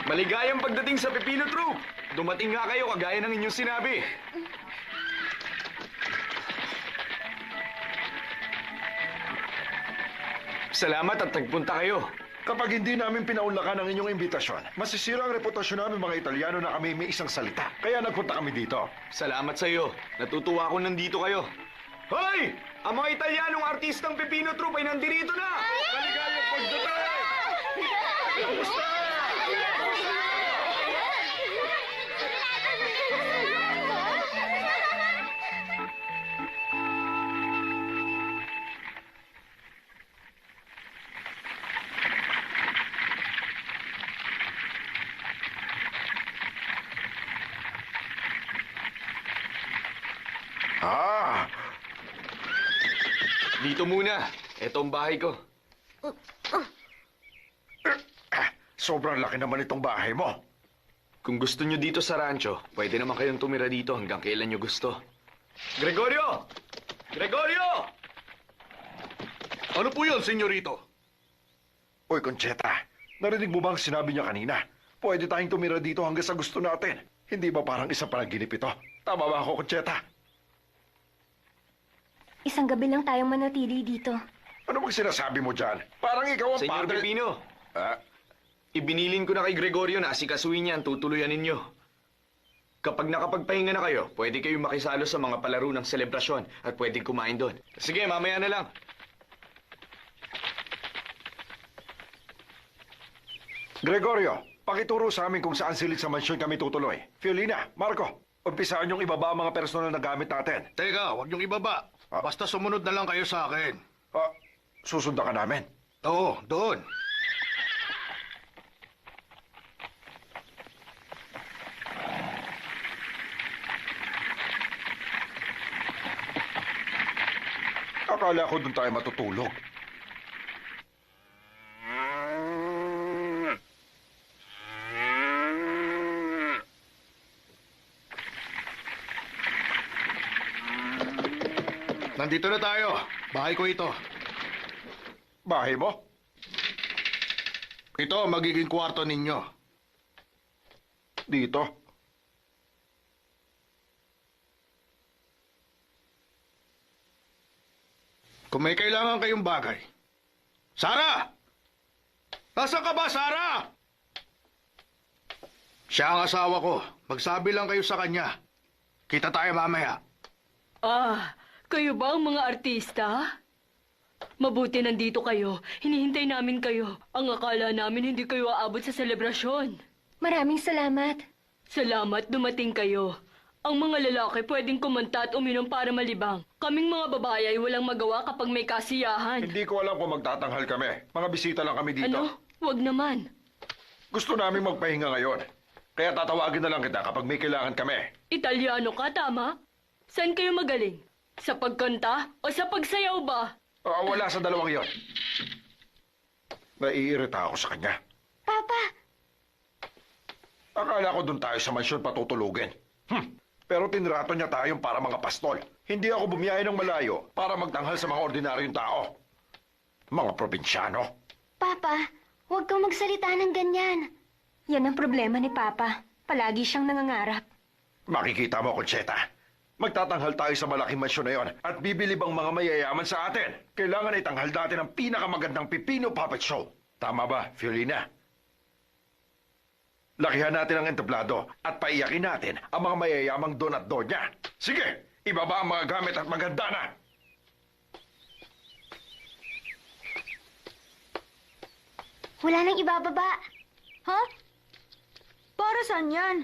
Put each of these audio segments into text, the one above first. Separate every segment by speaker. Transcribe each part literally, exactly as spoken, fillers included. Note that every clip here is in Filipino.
Speaker 1: Maligayang pagdating sa Pepino Troop! Dumating nga kayo kagaya ng inyong sinabi. Salamat at nagpunta kayo.
Speaker 2: Kapag hindi namin pinaunlakan ang inyong imbitasyon, masisira ang reputasyon namin mga Italiano na kami may isang salita. Kaya nagpunta kami dito.
Speaker 1: Salamat sa iyo. Natutuwa ako nandito kayo. Hoy! Ang mga Italianong artistang Pepino Troop ay nandirito na! Maligayang pagdating! Kamusta?
Speaker 2: Ah,
Speaker 1: Dito muna. Ito ang bahay ko.
Speaker 2: sobrang laki naman itong bahay mo.
Speaker 1: Kung gusto nyo dito sa rancho, pwede naman kayong tumira dito hanggang kailan nyo gusto. Gregorio! Gregorio!
Speaker 3: Ano po yun, senyorito?
Speaker 2: Uy, Concheta, narinig mo ba ang sinabi niya kanina? Pwede tayong tumira dito hanggang sa gusto natin. Hindi ba parang isang panaginip ito? Tama ba ako, Concheta?
Speaker 4: Isang gabi lang tayong manatili dito.
Speaker 2: Ano bang sinasabi mo dyan? Parang ikaw ang
Speaker 1: Senyor
Speaker 2: padre...
Speaker 1: Pepino,
Speaker 2: Ah,
Speaker 1: ibinilin ko na kay Gregorio na asikasuhin niya ang tutuluyan ninyo. Kapag nakapagpahinga na kayo, pwede kayong makisalo sa mga palaro ng selebrasyon at pwedeng kumain doon. Sige, mamaya na lang.
Speaker 2: Gregorio, pakituro sa amin kung saan silid sa mansyon kami tutuloy. Fiolina, Marco, umpisaan yung ibaba ang mga personal na gamit natin.
Speaker 3: Teka, huwag niyong ibaba.
Speaker 2: Ah.
Speaker 3: Basta sumunod na lang kayo sa akin.
Speaker 2: Ah, susundan ka namin.
Speaker 3: Oo, doon.
Speaker 2: Akala ko doon tayo matutulog.
Speaker 3: Nandito na tayo. Bahay ko ito.
Speaker 2: Bahay mo?
Speaker 3: Ito ang magiging kwarto ninyo.
Speaker 2: Dito?
Speaker 3: Kung may kailangan kayong bagay. Sara! Nasaan ka ba, Sara? Siya ang asawa ko. Magsabi lang kayo sa kanya. Kita tayo mamaya.
Speaker 5: Ah, kayo ba ang mga artista? Mabuti nandito kayo. Hinihintay namin kayo. Ang akala namin hindi kayo aabot sa selebrasyon.
Speaker 4: Maraming salamat.
Speaker 5: Salamat dumating kayo. Ang mga lalaki pwedeng kumanta at uminom para malibang. Kaming mga babae ay walang magawa kapag may kasiyahan.
Speaker 2: Hindi ko alam kung magtatanggal kami. Mga bisita lang kami dito.
Speaker 5: Ano? Wag naman.
Speaker 2: Gusto namin magpahinga ngayon. Kaya tatawagin na lang kita kapag may kailangan kami.
Speaker 5: Italiano ka, tama? Saan kayo magaling? Sa pagkanta o sa pagsayaw ba?
Speaker 2: Ah, wala sa dalawang yon. Naiirita ako sa kanya.
Speaker 4: Papa,
Speaker 2: Akala ko doon tayo sa mansyon patutulugin. Hmm. Pero tinrato niya tayong para mga pastol. Hindi ako bumiyahe ng malayo para magtanghal sa mga ordinaryong tao. Mga probinsyano.
Speaker 4: Papa, huwag kang magsalita ng ganyan. Yan ang problema ni Papa. Palagi siyang nangangarap.
Speaker 2: Makikita mo, Concheta. Magtatanghal tayo sa malaking mansyon na yon at bibilib ang mga mayayaman sa atin. Kailangan itanghal natin ang pinakamagandang Pipino Puppet Show. Tama ba, Fiolina? Lakihan natin ang entablado at paiyakin natin ang mga mayayamang don at donya. Sige, ibaba ang mga gamit at maganda na.
Speaker 4: Wala nang ibababa.
Speaker 6: Ha? Para saan yan?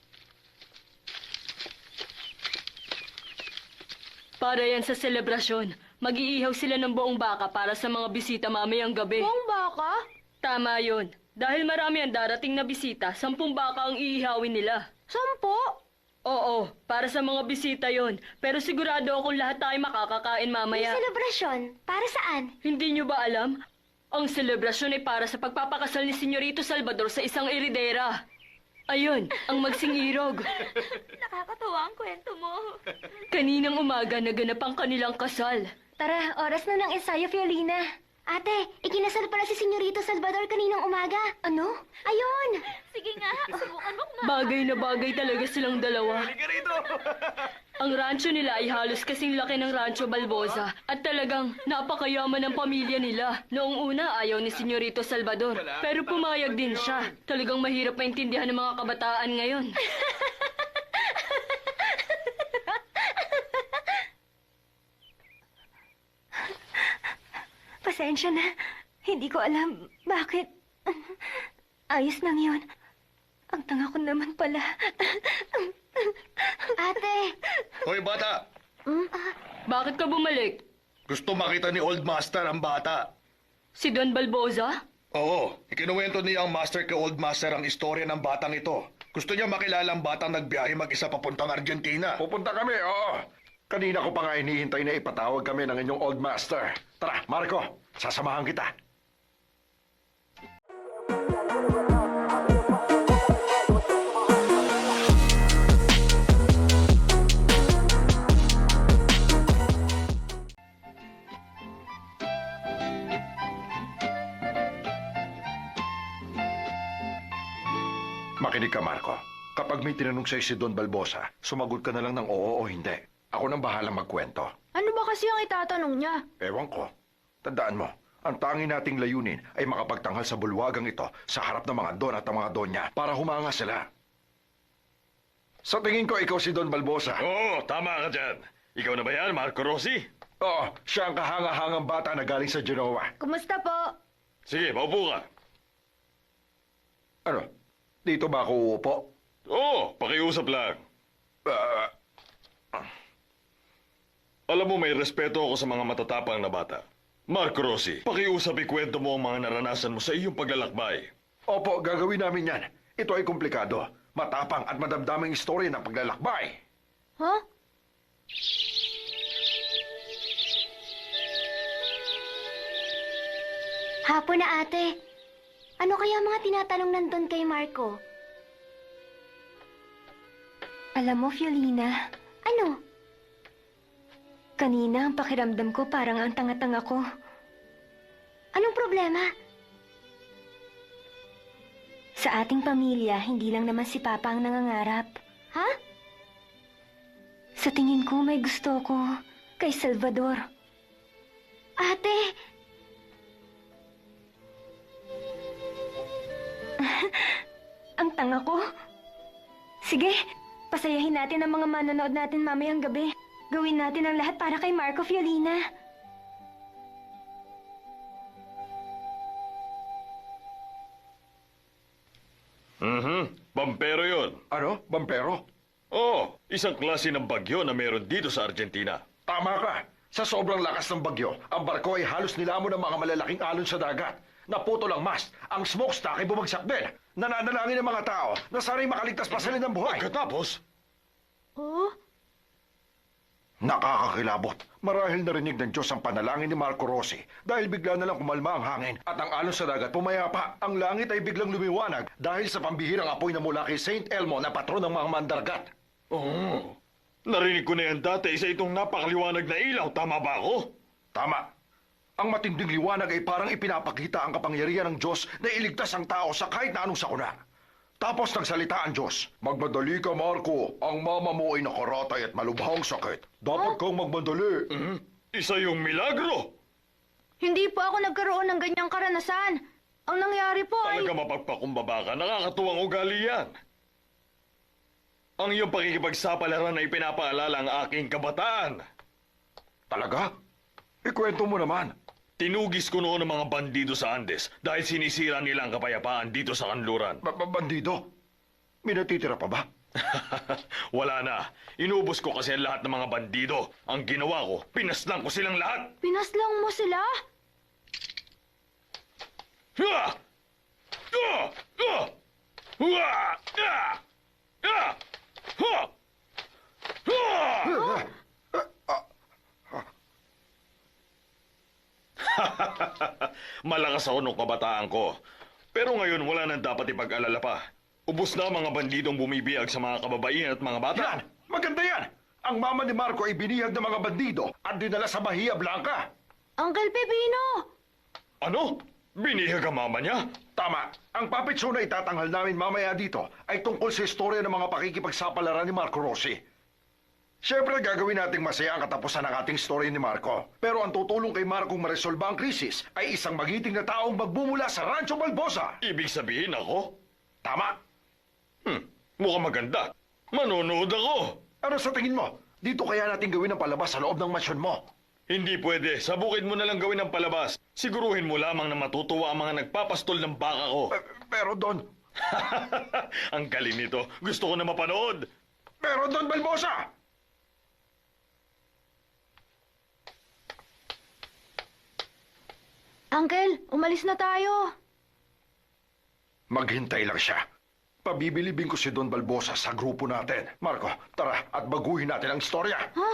Speaker 5: Para yan sa selebrasyon. Mag-iihaw sila ng buong baka para sa mga bisita mamayang gabi.
Speaker 6: Buong baka?
Speaker 5: Tama yun. Dahil marami ang darating na bisita, sampung baka ang iihawin nila.
Speaker 6: Sampo?
Speaker 5: Oo, para sa mga bisita yon. Pero sigurado akong lahat tayo makakakain mamaya.
Speaker 4: Selebrasyon, para saan?
Speaker 5: Hindi nyo ba alam? Ang selebrasyon ay para sa pagpapakasal ni Senyorito Salvador sa isang iridera. Ayun, ang magsing-irog.
Speaker 6: Nakakatawa ang kwento mo.
Speaker 5: Kaninang umaga naganap ang kanilang kasal.
Speaker 4: Tara, oras na ng ensayo, Fiolina. Ate, ikinasal pala si Senyorito Salvador kaninang umaga. Ano? Ayun!
Speaker 6: Sige nga, subukan mo kung
Speaker 5: Bagay na bagay talaga silang dalawa.
Speaker 1: Halika rito!
Speaker 5: Ang rancho nila ay halos kasing laki ng Rancho Balboza at talagang napakayaman ng pamilya nila. Noong una, ayaw ni Senyorito Salvador. Pero pumayag din siya. Talagang mahirap maintindihan ng mga kabataan ngayon.
Speaker 4: Pasensya na. Hindi ko alam bakit. Ayos lang yun. Ang tanga ko naman pala. Ate!
Speaker 3: Hoy, bata!
Speaker 5: Bakit ka bumalik?
Speaker 3: Gusto makita ni Old Master ang bata.
Speaker 5: Si Don Balboza?
Speaker 3: Oo, ikinuwento niya ang Master kay Old Master ang istorya ng batang ito. Gusto niya makilala ang batang nagbiyahe mag-isa papuntang Argentina.
Speaker 2: Pupunta kami, oo. Kanina ko pa nga hinihintay na ipatawag kami ng inyong old master. Tara, Marco, sasamahan kita. Makinig ka, Marco. Kapag may tinanong sa'yo si Don Balboza, sumagot ka na lang ng oo o hindi. Ako nang bahalang magkwento.
Speaker 6: Ano ba kasi ang itatanong niya?
Speaker 2: Ewan ko. Tandaan mo, ang tangi nating layunin ay makapagtanghal sa bulwagang ito sa harap ng mga don at ang mga donya para humanga sila. Sa tingin ko, ikaw si Don Balboza.
Speaker 7: Oo, tama ka dyan. Ikaw na ba yan, Marco Rossi?
Speaker 2: Oo, siya ang kahanga-hangang bata na galing sa Genoa.
Speaker 6: Kumusta po?
Speaker 7: Sige, maupo ka.
Speaker 2: Ano? Dito ba ako uupo?
Speaker 7: Oo, pakiusap lang.
Speaker 2: Ah,
Speaker 7: Alam mo, may respeto ako sa mga matatapang na bata. Marco Rossi, pakiusap ikwento mo ang mga naranasan mo sa iyong paglalakbay.
Speaker 2: opo, gagawin namin yan. Ito ay komplikado, matapang at madamdaming istorya ng paglalakbay.
Speaker 6: Huh?
Speaker 4: Hapon na, ate. Ano kaya mga tinatanong nandun kay Marco? Alam mo, Fiolina. Ano? Kanina, ang pakiramdam ko parang ang tanga-tanga ko. Anong problema? Sa ating pamilya, hindi lang naman si Papa ang nangangarap. Ha? Sa tingin ko, may gusto ko kay Salvador. Ate! Ang tanga ko. Sige, pasayahin natin ang mga manonood natin mamayang gabi. Gawin natin ang lahat para kay Marco Fiolina.
Speaker 7: Mhm, pampero yun.
Speaker 2: Ano? Bampero?
Speaker 7: Oo, isang klase ng bagyo na meron dito sa Argentina.
Speaker 2: Tama ka. Sa sobrang lakas ng bagyo, ang barko ay halos nilamon ng mga malalaking alon sa dagat. Naputol ang mast, ang smokestack ay bumagsak din. Nananalangin ng mga tao na sana'y makaligtas pa sila ng buhay.
Speaker 7: Pagkatapos,
Speaker 6: Oh?
Speaker 2: Nakakakilabot. Marahil narinig ng Diyos ang panalangin ni Marco Rossi dahil bigla na lang kumalma ang hangin at ang alon sa dagat pumayapa. Ang langit ay biglang lumiwanag dahil sa pambihirang apoy na mula kay Saint Elmo na patron ng mga mandargat.
Speaker 7: oh, narinig ko na yan dati sa itong napakaliwanag na ilaw. Tama ba ako?
Speaker 2: Tama. Ang matinding liwanag ay parang ipinapakita ang kapangyarihan ng Diyos na iligtas ang tao sa kahit na anong sakuna. Tapos nagsalita ang Diyos, magmadali ka, Marco. Ang mama mo ay nakaratay at malubhang sakit. Dapat kang magmadali.
Speaker 7: Mhm, isa yung milagro.
Speaker 6: Hindi po ako nagkaroon ng ganyang karanasan. Ang nangyari po ay...
Speaker 7: Talaga mapagpakumbaba ka, nakakatuwang ugali yan. Ang iyong pakikipagsapalaran ay pinapaalala ang aking kabataan.
Speaker 2: Talaga? Ikwento mo naman.
Speaker 7: Tinugis ko noon ang mga bandido sa Andes dahil sinisira nila ang kapayapaan dito sa kanluran.
Speaker 2: Ba- ba- Bandido? May natitira pa ba?
Speaker 7: Wala na. Inubos ko kasi ang lahat ng mga bandido. Ang ginawa ko, pinaslang ko silang lahat.
Speaker 6: Pinaslang mo sila?
Speaker 7: Ah! Ah! Ah! Ah! Ah! Ah! Ah! Ah! Malakas ako nung kabataan ko. Pero ngayon wala nang dapat ipag-alala pa. Ubus na ang mga bandidong bumibiyag sa mga kababaihan at mga bata.
Speaker 2: Yan! Maganda yan! Ang mama ni Marco ay binihag ng mga bandido at dinala sa Bahia Blanca.
Speaker 6: Uncle Pepino!
Speaker 7: Ano? Binihag ang mama niya?
Speaker 2: Tama. Ang puppet show na itatanghal namin mamaya dito ay tungkol sa istorya ng mga pakikipagsapalaran ni Marco Rossi. Siyempre, gagawin nating masaya ang katapusan ng ating story ni Marco. Pero ang tutulong kay Marco maresolba ang krisis ay isang magiting na taong magbumula sa Rancho Balbosa.
Speaker 7: Ibig sabihin ako?
Speaker 2: Tama.
Speaker 7: Hmm, mukhang maganda. Manonood ako.
Speaker 2: Ano sa tingin mo? Dito kaya natin gawin ang palabas sa loob ng mansyon mo.
Speaker 7: Hindi pwede. Sa bukid mo na lang gawin ang palabas. Siguruhin mo lamang na matutuwa ang mga nagpapastol ng baka ko.
Speaker 2: Eh, pero Don,
Speaker 7: Ang galing nito. Gusto ko na mapanood.
Speaker 2: pero Don Balbosa!
Speaker 6: Uncle, umalis na tayo.
Speaker 2: Maghintay lang siya. Pabibilibin ko si Don Balbosa sa grupo natin. Marco, tara at baguhin natin ang istorya.
Speaker 6: Ha?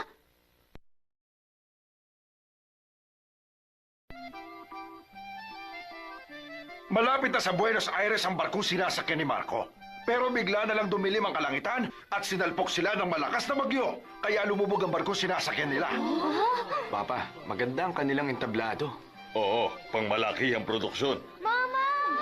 Speaker 2: Malapit na sa Buenos Aires ang barkong sinasakyan ni Marco. Pero bigla na lang dumilim ang kalangitan at sinalpok sila ng malakas na bagyo. Kaya lumubog ang barkong sinasakyan nila.
Speaker 1: Papa, maganda ang kanilang entablado.
Speaker 7: Oo, pangmalaki ang produksyon.
Speaker 6: Mama!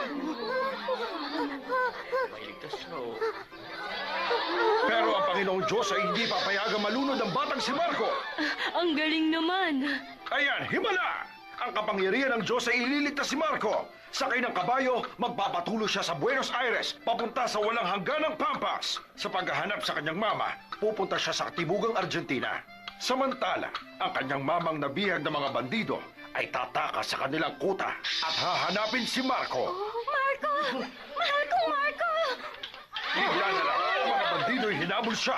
Speaker 2: Pero ang Panginoong Diyos ay hindi papayagang malunod ang batang si Marco.
Speaker 5: Ang galing naman.
Speaker 2: Ayan, himala! Ang kapangyarihan ng Diyos ay ililigtas si Marco. Sakay ng kabayo, magpapatuloy siya sa Buenos Aires, papunta sa walang hangganang Pampas. Sa paghahanap sa kanyang mama, pupunta siya sa katibugang Argentina. Samantala, ang kanyang mamang nabihag ng mga bandido ay tatakas sa kanilang kuta at hahanapin si Marco.
Speaker 4: Marco! Mahal kong Marco!
Speaker 2: Bigla na lang, ang mga bandido ay hinabol siya.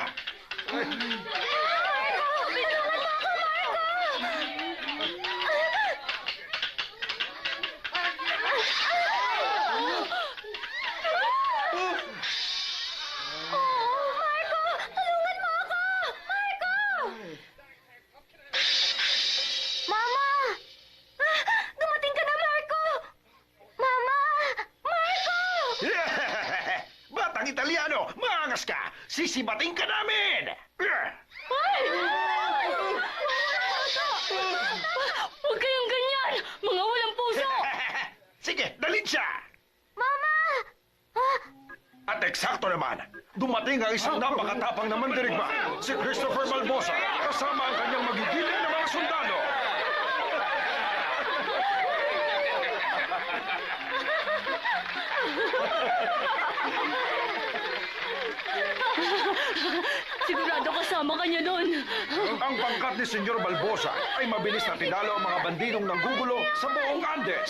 Speaker 6: Mama!
Speaker 4: Ah, dumating ka na, Marco!
Speaker 6: Mama!
Speaker 4: Marco!
Speaker 2: Batang Italiano, maangas ka! Sisibating ka namin!
Speaker 5: Huwag kayong ganyan! Mga walang puso!
Speaker 2: Sige, dalhin siya!
Speaker 6: Mama!
Speaker 2: At eksakto naman, dumating ang isang napakatapang na mandirigma, si Christopher Balbosa, kasama ang kanyang magigiling na mga sundalo.
Speaker 5: Sigurado kasama ka niya doon.
Speaker 2: Ang pangkat ni Senyor Balbosa ay mabilis na tinalo ang mga bandidong nanggugulo sa buong Andes.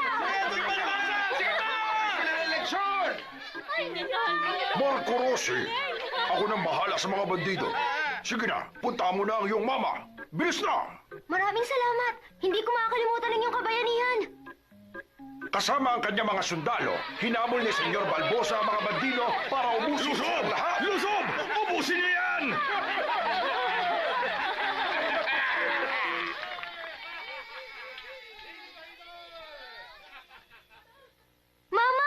Speaker 2: Eleksyon! Marco Rossi, ako nang bahala sa mga bandido. Sige na, punta mo na ang iyong mama. Bilis na!
Speaker 6: Maraming salamat. Hindi ko makakalimutan ang iyong kabayanihan.
Speaker 2: Kasama ang kanyang mga sundalo, hinamol ni Senyor Balbosa ang mga bandido para ubusin
Speaker 7: Lusob!
Speaker 2: ang lahat.
Speaker 7: Lusob! Ubusin niya yan!
Speaker 6: Mama!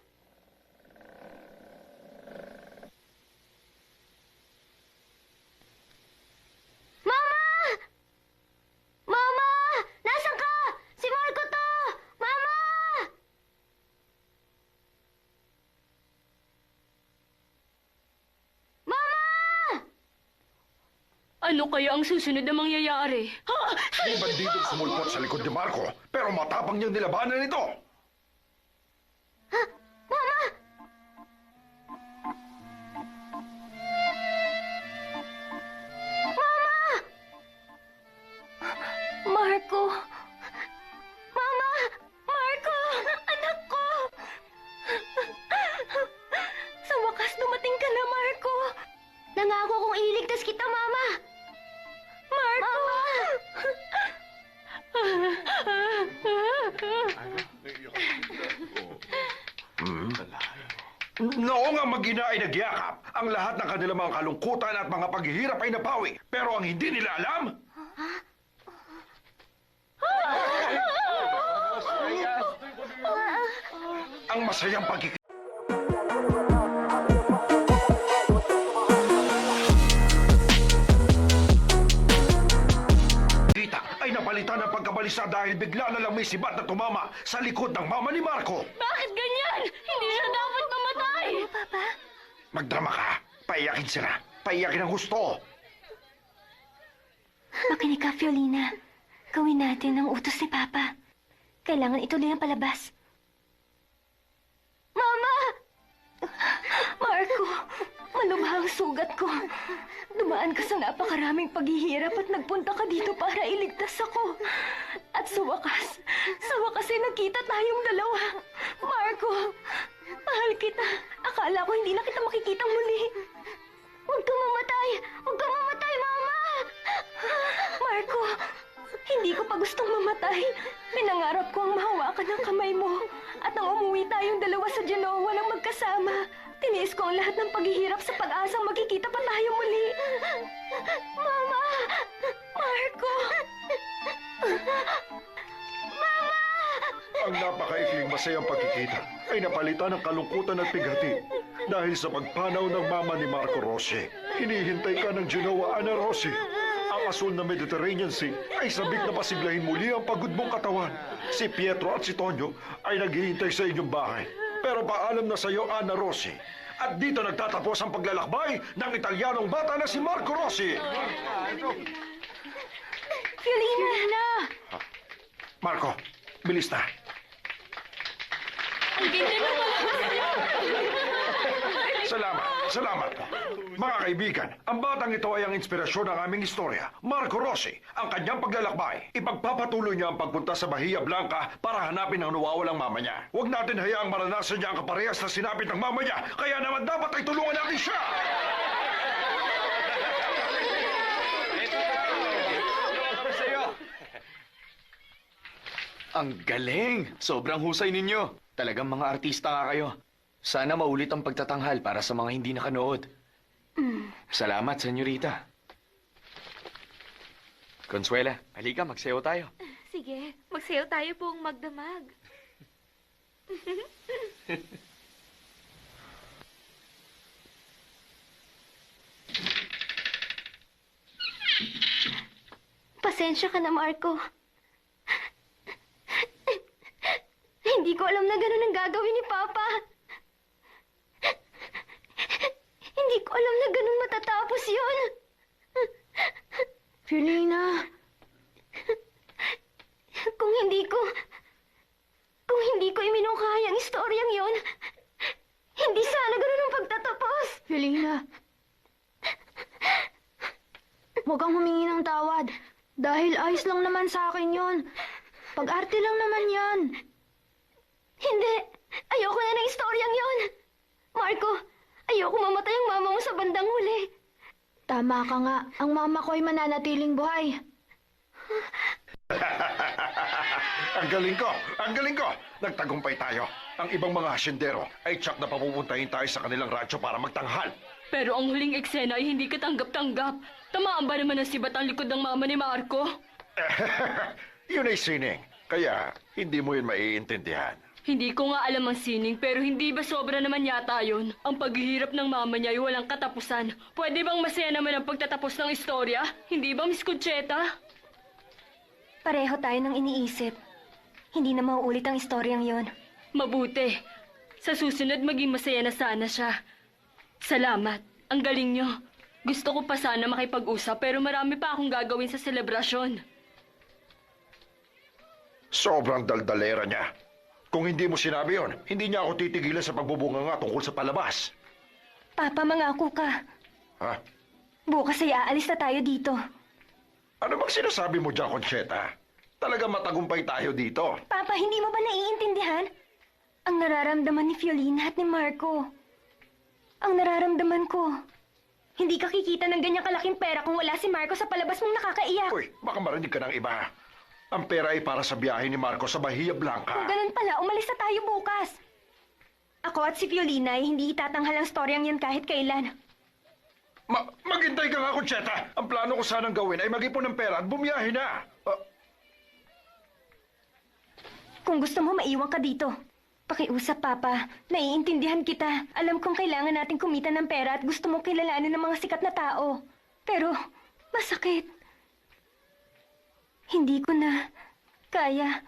Speaker 6: Mama! Mama! Nasaan ka? Si Marco to! Mama! Mama!
Speaker 5: Ano kaya ang susunod na mangyayari? Ha?
Speaker 2: May bandidong sumulpot sa likod ni Marco, pero matapang niyang nilabanan ito.
Speaker 6: Mama!
Speaker 4: Marco!
Speaker 6: Mama!
Speaker 4: Marco! Anak ko! Sa wakas, dumating ka na, Marco!
Speaker 6: Nangako kong iligtas kita, Mama!
Speaker 4: Marco!
Speaker 2: Noong ang mag-ina ay nagyakap, ang lahat ng kanilang mga kalungkutan at mga paghihirap ay napawi. Pero ang hindi nila alam... ang masayang pagkikita ay napalitan ng pagkabalisa dahil dahil bigla na lang may sibat na tumama sa likod ng mama ni Marco.
Speaker 5: Bakit ganyan? Hindi siya dapat mamatay!
Speaker 4: Ano, Papa?
Speaker 2: Magdrama ka. Paiyakin sila. Paiyakin ang gusto.
Speaker 4: Makinig ka, Fiolina. Gawin natin ang utos ni Papa. Kailangan ituloy ang palabas. Mama! Marco, malubha ang sugat ko. Dumaan ka sa napakaraming paghihirap at nagpunta ka dito para iligtas ako. At sa wakas, sa wakas ay nagkita tayong dalawa. Marco, mahal kita. Akala ko hindi na kita makikitang muli. Huwag kang mamatay! Huwag kang mamatay, Mama! Marco, hindi ko pa gustong mamatay. Pinangarap ko ang mahawakan ng kamay mo. At nang umuwi tayong dalawa sa Genoa ng magkasama, tiniis ko ang lahat ng paghihirap sa pag-asang magkikita pa tayo muli. Mama! Marco!
Speaker 2: Ang napakaikling masayang pagkikita ay napalitan ng kalungkutan at pighati dahil sa pagpanaw ng mama ni Marco Rossi. Hinihintay ka ng Genoa, Ana Rossi. Ang asul na Mediterranean Sea ay sabik na pasiglahin muli ang pagod mong katawan. Si Pietro at si Tonyo ay naghihintay sa inyong bahay. Pero paalam na sa iyo, Ana Rossi. At dito nagtatapos ang paglalakbay ng Italianong bata na si Marco Rossi.
Speaker 4: Fiolina!
Speaker 2: Marco, bilis na.
Speaker 5: Ang ganda ng palabas niyo!
Speaker 2: Salamat, salamat po. Mga kaibigan, ang batang ito ay ang inspirasyon ng aming istorya. Marco Rossi, ang kanyang paglalakbay. Ipagpapatuloy niya ang pagpunta sa Bahia Blanca para hanapin ang nawawalang mama niya. Huwag natin hayaang maranasan niya ang kaparehas na sinapit ng mama niya. Kaya naman dapat ay tulungan natin siya!
Speaker 1: Ang galing! Sobrang husay ninyo. Talagang mga artista nga kayo. Sana maulit ang pagtatanghal para sa mga hindi nakanood. Salamat, senyorita. Consuela, halika, magsayaw tayo.
Speaker 6: Sige, magsayaw tayo pong magdamag.
Speaker 4: Pasensya ka na, Marco. Hindi ko alam na ganun ang gagawin ni Papa. Hindi ko alam na ganun matatapos yun.
Speaker 6: Fiolina,
Speaker 4: Kung hindi ko... Kung hindi ko iminungkahi ang istoryang yon, hindi sana ganun ang pagtatapos.
Speaker 6: Fiolina. Huwag kang humingi ng tawad. Dahil ayos lang naman sa akin yon. Pag-arte lang naman yan.
Speaker 4: Hindi. Ayoko na ng istoryang yon. Marco, ayoko mamatay ang mama mo sa bandang huli.
Speaker 6: Tama ka nga. Ang mama ko ay mananatiling buhay.
Speaker 2: Ang galing ko! Ang galing ko! Nagtagumpay tayo. Ang ibang mga hasyendero ay tsak na papupuntahin tayo sa kanilang radyo para magtanghal.
Speaker 5: Pero ang huling eksena ay hindi katanggap-tanggap. Tamaan ba naman ang sibat ang likod ng mama ni Marco?
Speaker 2: Yun ay sining. Kaya hindi mo yun maiintindihan.
Speaker 5: Hindi ko nga alam ang sining, pero hindi ba sobra naman yata yun? Ang paghihirap ng mama niya ay walang katapusan. Pwede bang masaya naman ang pagtatapos ng istorya? Hindi ba, Miss Concheta?
Speaker 4: Pareho tayo ng iniisip. Hindi na mauulit ang istoryang yon.
Speaker 5: Mabuti. Sa susunod, maging masaya na sana siya. Salamat. Ang galing niyo. Gusto ko pa sana makipag-usap, pero marami pa akong gagawin sa selebrasyon.
Speaker 2: Sobrang daldalera niya. Kung hindi mo sinabi yon, hindi niya ako titigilan sa pagbubunga nga tungkol sa palabas.
Speaker 4: Papa, mangako ka.
Speaker 2: Ha?
Speaker 4: Bukas ay aalis na tayo dito.
Speaker 2: Ano bang sinasabi mo dyan, Concheta? Talaga matagumpay tayo dito.
Speaker 4: Papa, hindi mo ba naiintindihan? Ang nararamdaman ni Fiolina at ni Marco. Ang nararamdaman ko. Hindi ka kikita ng ganyang kalaking pera kung wala si Marco sa palabas mong nakakaiyak.
Speaker 2: Uy, baka marinig ka ng iba. Ang pera ay para sa biyahe ni Marco sa Bahia Blanca.
Speaker 4: Kung ganun pala, umalis na tayo bukas. Ako at si Fiolina ay hindi itatanghal ang storyang yan kahit kailan.
Speaker 2: Ma maghintay ka nga, Concheta. Ang plano ko sanang gawin ay mag-ipon ng pera at bumiyahe na. Ah,
Speaker 4: Kung gusto mo, maiwan ka dito. Pakiusap, Papa. Naiintindihan kita. Alam kong kailangan natin kumita ng pera at gusto mong kilalanin ng mga sikat na tao. Pero, masakit. Hindi ko na... Kaya.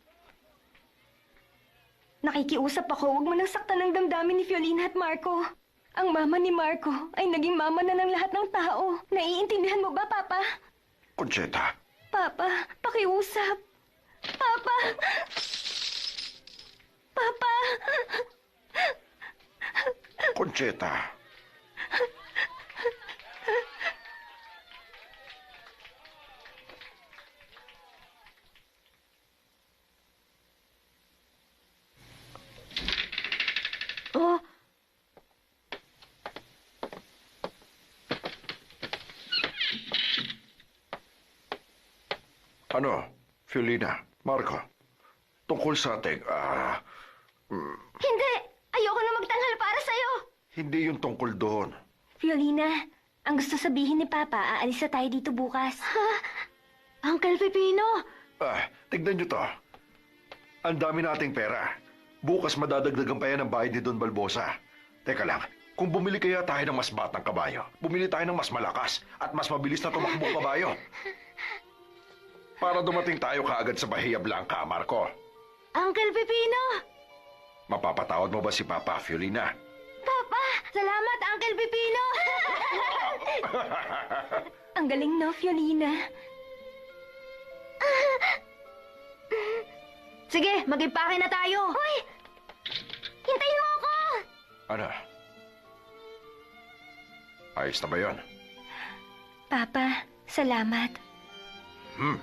Speaker 4: Nakikiusap ako, huwag mo nang saktan ng damdamin ni Fiolina at Marco. Ang mama ni Marco ay naging mama na ng lahat ng tao. Naiintindihan mo ba, Papa?
Speaker 2: Concheta,
Speaker 4: Papa, pakiusap. Papa! Papa!
Speaker 2: Concheta.
Speaker 6: Oh,
Speaker 2: Ano, Fiolina, Marco, tungkol sa ating, ah,
Speaker 4: Hindi! Ayoko na magtanghal para sa'yo!
Speaker 2: hindi yung tungkol doon.
Speaker 4: Fiolina, ang gusto sabihin ni Papa, aalis na tayo dito bukas.
Speaker 6: Uncle Pipino!
Speaker 2: Ah, tignan nyo to. Ang dami nating pera. Bukas madadagdagan pa yan ang bayad ni Don Balbosa. Teka lang, kung bumili kaya tayo ng mas batang kabayo, bumili tayo ng mas malakas at mas mabilis na tumakbong kabayo. Para dumating tayo kaagad sa Bahia Blanca, Marco.
Speaker 6: Uncle Pipino!
Speaker 2: Mapapatawad mo ba si Papa, Fiolina?
Speaker 6: Papa! Salamat, Uncle Pipino!
Speaker 4: Ang galing, no, Fiolina?
Speaker 6: Sige, mag-impake na tayo!
Speaker 4: Hoy! Hintayin mo ako!
Speaker 2: Ano? Ayos na ba yun?
Speaker 4: Papa, salamat.
Speaker 2: Hmm.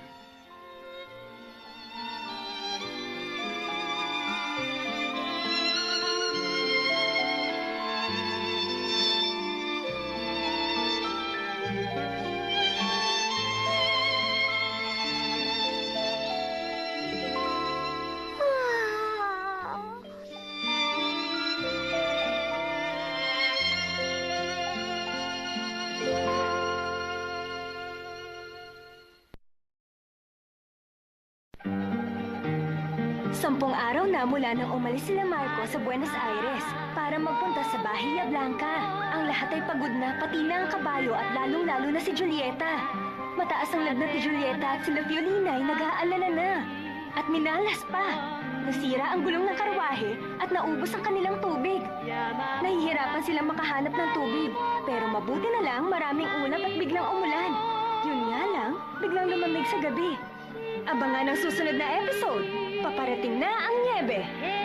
Speaker 4: Sampung araw na mula nang umalis sila Marco sa Buenos Aires para magpunta sa Bahia Blanca. Ang lahat ay pagod na, pati na ang kabayo at lalong-lalo na si Julieta. Mataas ang lagnat ni Julieta at sila Fiolina ay nag-aalala na. At minalas pa. Nasira ang gulong ng karwahe at naubos ang kanilang tubig. Nahihirapan silang makahanap ng tubig. Pero mabuti na lang maraming ulap at biglang umulan. Yun nga lang, biglang lumamig sa gabi. Abangan ang susunod na episode. Paparating na ang niebe.